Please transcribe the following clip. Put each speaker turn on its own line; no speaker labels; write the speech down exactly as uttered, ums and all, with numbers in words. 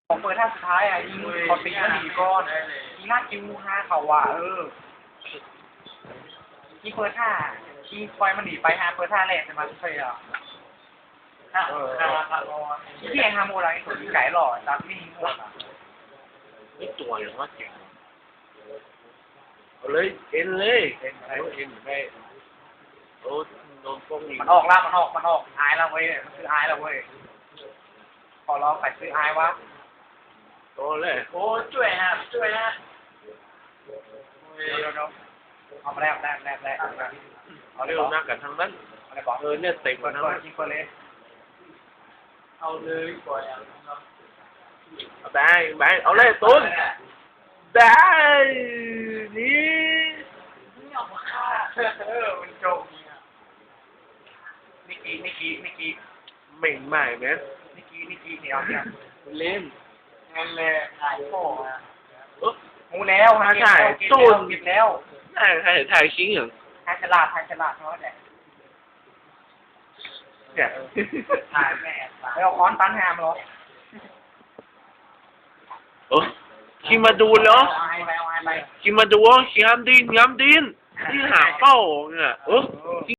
ของเปิดท่าสุดท้ายอ่ะยิงเขาตีแล้วหนีก่อนยิงลากคิวห้าเขาว่ะเออยิงเปิดท่ายิงปล่อยมันหนีไปฮะเปิดท่าแรกจะมาเสียฮะเออที่ไอ้ฮาโมไรตัวยิงไก่หล่อจับนี่หมดอ่ะ
นี่ตัวอย่างว่าเก่งเอาเลยเอ็นเลยเอ็นอะไรเอ็นไม่โอ้โดนพวกนี้
มันออกแล้วมันออกมันออกอายแล้วเว้ยมันคืออายแล้วเว้ยขอร้องใส่ซื้ออายวะ
โตเลย
โอ้ช่วยฮะช่วยฮะเดี๋ยวเดี๋ยวเอามาแรกแรกแรกแรก
เอาเร็วนักกันทั้งนั้น
อะไรบอก
เออเนี่ยเต็ม
เปิด
ทั้ง
เปิ
นั้
ด
น
ยิงเปิดเลยเอาเลยปล่อยอ่ะ
แบงแบงเอาเลยตุ้นได้นี่
นี่ออกมาฆ่าเออมันโจมนิกกี้นิกกี้นิกกี้
เหม่งใหม่ไหม
นิกกี้นิกกี้เนี่ยเอาเนี่ย
เล่น
เงินเลยถ่ายโป้อ่ะ
เออ
มูแล้วฮะ
ถ่ายตุ้น
กินแล้ว
ถ่ายถ่ายถ่ายชิ้นอย่าง
ถ่ายฉลาดถ่ายฉลาดเท่าไหร่
เนี่ย
ถ่ายแม่ไปเอาค้อนตันแฮมเหรอ
เออคิมมาดูเหรอคิมมาดูคิมดินยำดินที่หาเป้าเนี่ยเออ